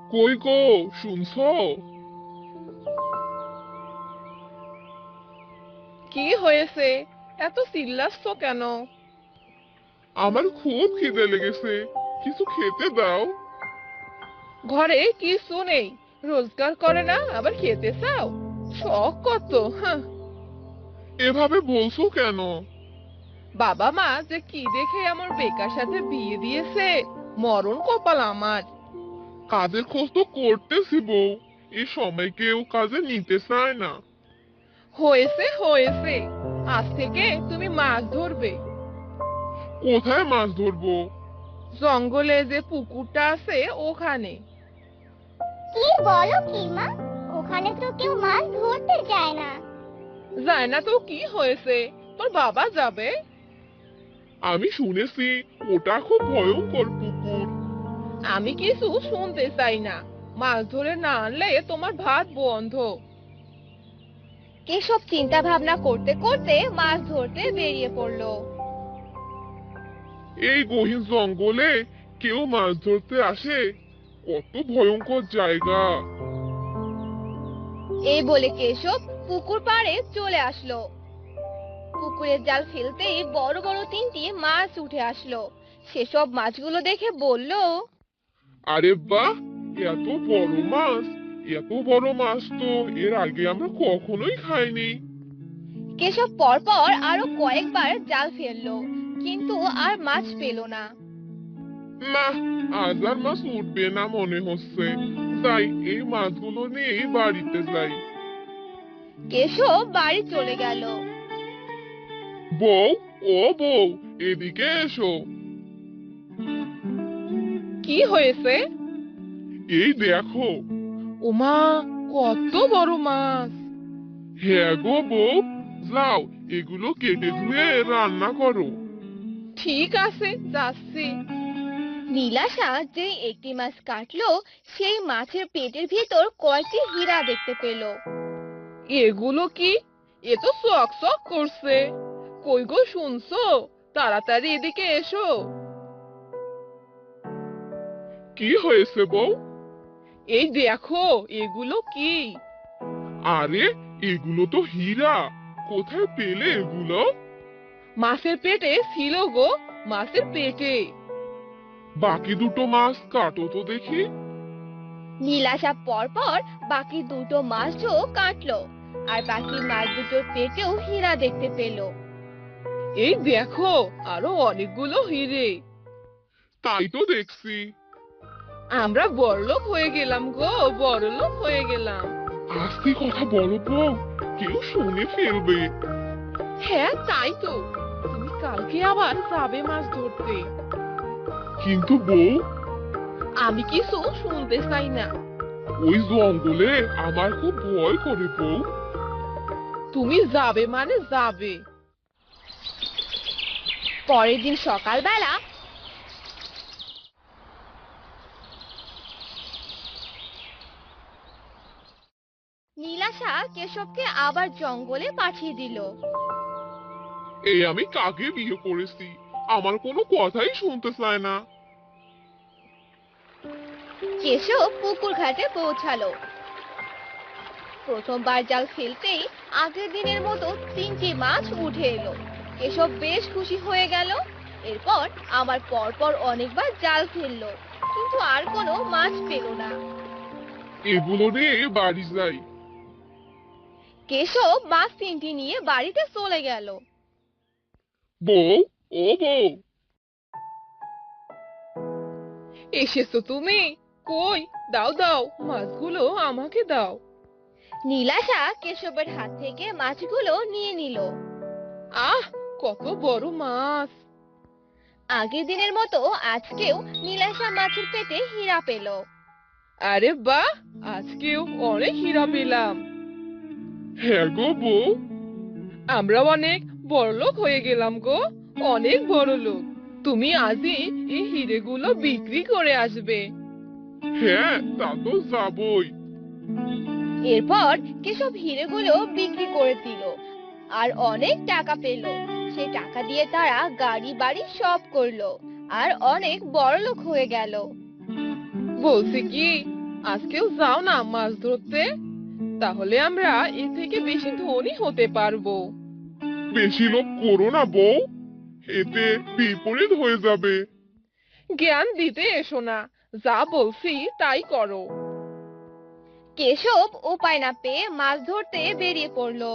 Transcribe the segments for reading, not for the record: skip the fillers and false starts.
কই গো, শুনছো? কি হয়েছে? এত চিল্লাচ্ছ কেন? আমার খুব খিদে লেগেছে, কিছু খেতে দাও। ঘরে কিছু নেই, রোজগার করে না আবার খেতে চাও? শখ কত, হ্যাঁ। এভাবে বলছো কেন? বাবা মা যে কি দেখে আমার বেকার সাথে বিয়ে দিয়েছে, মরণ কপাল আমার। কাজের খোঁজ তো করতেছি বউ, এই সময় কেউ কাজে নিতে চায় না। হয়েছে হয়েছে, আজ থেকে তুমি মাছ ধরবে। কোথায় মাছ ধরবো? জঙ্গলে যে পুকুরটা আছে ওখানে। কি বলো কি মা? ওখানে তো কেউ মাছ ধরতে যায় না। যায় না তো কি হয়েছে, তোর বাবা যাবে। আমি শুনেছি ওটা খুব ভয়ঙ্কর পুকুর। আমি কিছু শুনতে চাই না, মাছ ধরে না আনলে তোমার ভাত বন্ধ। কেশব চিন্তা ভাবনা করতে করতে মাছ ধরতে বেরিয়ে পড়লো। এই গহীন জঙ্গলে কেউ মাছ ধরতে আসে? কত ভয়ঙ্কর জায়গা! এই বলে কেশব পুকুর পাড়ে চলে আসলো। পুকুরের জাল ফেলতেই বড় বড় তিনটি মাছ উঠে আসলো। সেসব মাছগুলো দেখে বলল, আরে বাহ, এত বড় মাছ! এত বড় মাছ তো এর আগে আমরা কখনোই খাইনি। কেশব পরপর আরো কয়েকবার জাল ফেললো, কিন্তু আর মাছ পেল না। না, আজ আর মাছ উঠবে না মনে হচ্ছে। যাই, এই মাছগুলো নিয়েই বাড়িতে যাই। কেশব বাড়ি চলে গেল। বউ, ও বউ, এদিকে এসো। কি হয়েছে? এই দেখো। ওমা, কত বড় মাছ! হ্যাঁ গো বউ, যাও এগুলো কেটে ধুয়ে রান্না করো। ঠিক আছে, যাচ্ছি। নীলাশা যে একটি মাছ কাটলো, সেই মাছের পেটের ভিতর কয়েকটি হীরা দেখতে পেল। এগুলো কি? এ তো চক চক করছে। কই গো, শুনছো? তাড়াতাড়ি এদিকে এসো। কি হয়েছে বউ? এই দেখো, এগুলো কি? আরে, এগুলো তো হীরা। কোথায় পেলে এগুলো? মাছের পেটে ছিল গো, মাছের পেটে। বাকি দুটো মাছ কাটো তো দেখি। নীলাশা পরপর বাকি দুটো মাছও কাটলো, আর বাকি মাছ দুটোর পেটেও হীরা দেখতে পেল। এই দেখো, আরো অনেকগুলো হিরে। তাই তো দেখছি। আমরা বড়লোক হয়ে গেলাম গো, বড়লোক হয়ে গেলাম। আস্তে কথা বলো বউ, কেউ শুনে ফেলবে। হ্যাঁ, তাই তো। তুমি কালকে আবার যাবে মাছ ধরতে। কিন্তু বউ, আমি কিছু শুনতে চাই না। ওই জঙ্গলে আমার খুব ভয় করে বউ। তুমি যাবে মানে যাবে। পরের দিন সকালবেলা নীলাশা কেশবকে আবার জঙ্গলে পাঠিয়ে দিল। এই আমি কাকে বিয়ে করেছি, আমার কোনো কথাই শুনতে চায় না। কেশব পুকুর ঘাটে পৌঁছালো। প্রথমবার জাল ফেলতেই আগের দিনের মতো তিনটি মাছ উঠে এলো। কেশব বেশ খুশি হয়ে গেল। এরপর আবার পরপর অনেকবার জাল ফেললো, কিন্তু আর কোনো মাছ পেল না। এগুলো নিয়ে বাড়ি যাই। কেশব মাছ তিনটি নিয়ে বাড়িতে চলে গেল। বউ, ও বউ, এসেছো তুমি? কই, দাও দাও, মাছগুলো আমাকে দাও। নীলাশা কেশবের হাত থেকে মাছগুলো নিয়ে নিল। আহ, কত বড় মাছ! আগের দিনের মতো আজকেও নীলাশা মাছের পেটে হীরা পেল। আরে বাহ, আজকেও অনেক হীরা পেলাম। হ্যাঁ গো বউ। আমরা অনেক বড়লোক হয়ে গেলাম গো, অনেক বড়লোক। তুমি আজই এই হিরেগুলো বিক্রি করে আসবে। হ্যাঁ, তা তো যাবই। এরপর কেশব হিরেগুলো বিক্রি করে দিল, আর অনেক টাকা পেল। সেই টাকা দিয়ে তারা গাড়ি বাড়ি সব করলো, আর অনেক বড়লোক হয়ে গেল। বলছি কি, আজকেও যাও না মাছ ধরতে, তাহলে আমরা এর থেকে বেশি ধনী হতে পারবো। বেশি লোভ করো না বউ, এতে বিপরীত হয়ে যাবে। জ্ঞান দিতে এসো না, যা বলছি তাই করো। কেশব উপায় না পেয়ে মাছ ধরতে বেরিয়ে পড়লো।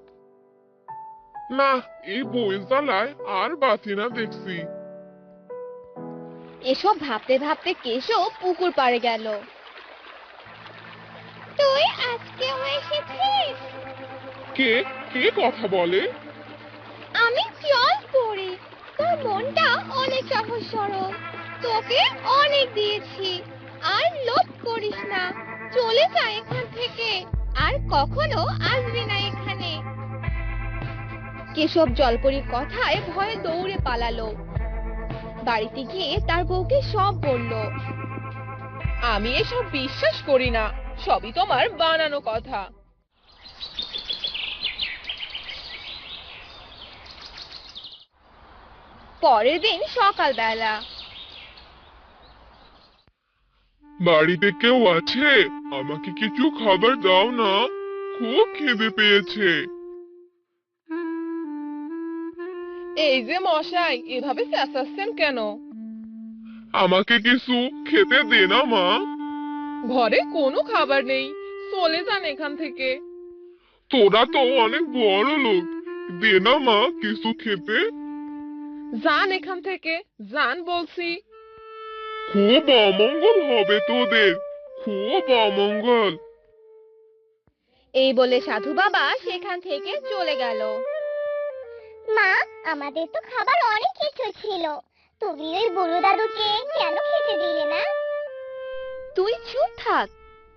না, এই বউয়ের জ্বালায় আর বাঁচি না দেখছি। এসব ভাবতে ভাবতে কেশব পুকুর পাড়ে গেল। তুই আজকেও এসেছিস? কে কে কথা বলে? আমি জল পড়ি, তোর মনটা অনেক সহজ সরল, তোকে অনেক দিয়েছি, আর লোভ করিস না, চলে যা এখান থেকে, আর কখনো আসবি না এখানে। কেশব জলপরীর কথায় ভয়ে দৌড়ে পালালো। বাড়িতে গিয়ে তার বউকে সব বলল। আমি এসব বিশ্বাস করি না, সবই তোমার বানানো কথা। পরের দিন সকালবেলা। বাড়িতে কেউ আছে? আমাকে কিছু খাবার দাও না, খুব খিদে পেয়েছে। এই যে মশাই, এভাবে চেঁচাচ্ছেন কেন? আমাকে কিছু খেতে দে না মা। ঘরে কোনো খাবার নেই, চলে যান এখান থেকে। তোরা তো অনেক বড় লোক, দে না মা কিছু খেতে। যান এখান থেকে, যান বলছি। খুব অমঙ্গল হবে তোদের, খুব অমঙ্গল। এই বলে সাধু বাবা সেখান থেকে চলে গেল। মা, আমাদের তো খাবার অনেক কিছু ছিল, তুমি ওই বুড়ো দাদুকে কেন খেতে দিলে না? তুই চুপ থাক।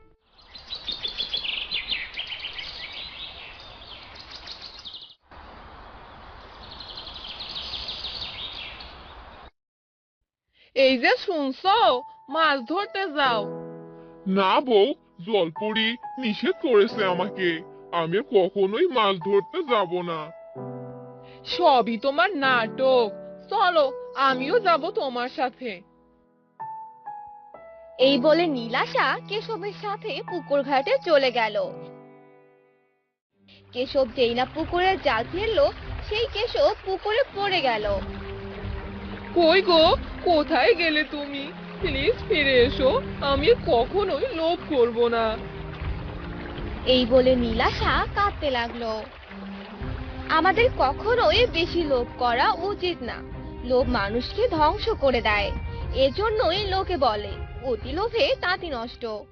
এই যে শুনছো, মাছ ধরতে যাও। না বউ, জলপরি নিষেধ করেছে আমাকে, আমি আর কখনোই মাছ ধরতে যাব না। সবই তোমার নাটক, চলো আমিও যাব তোমার সাথে। এই বলে নীলাশা কেশবের সাথে পুকুর ঘাটে চলে গেল। কেশব যেই না পুকুরে জাল ফেললো, সেই কেশব পুকুরে পড়ে গেল। কই গো, কোথায় গেলে তুমি? প্লিজ ফিরে এসো, আমি কখনোই লোভ করব না। এই বলে নীলাশা কাঁদতে লাগলো। আমাদের কখনোই বেশি লোভ করা উচিত না, লোভ মানুষকে ধ্বংস করে দেয়। এজন্যই লোকে বলে অতি লোভে তাঁতি নষ্ট।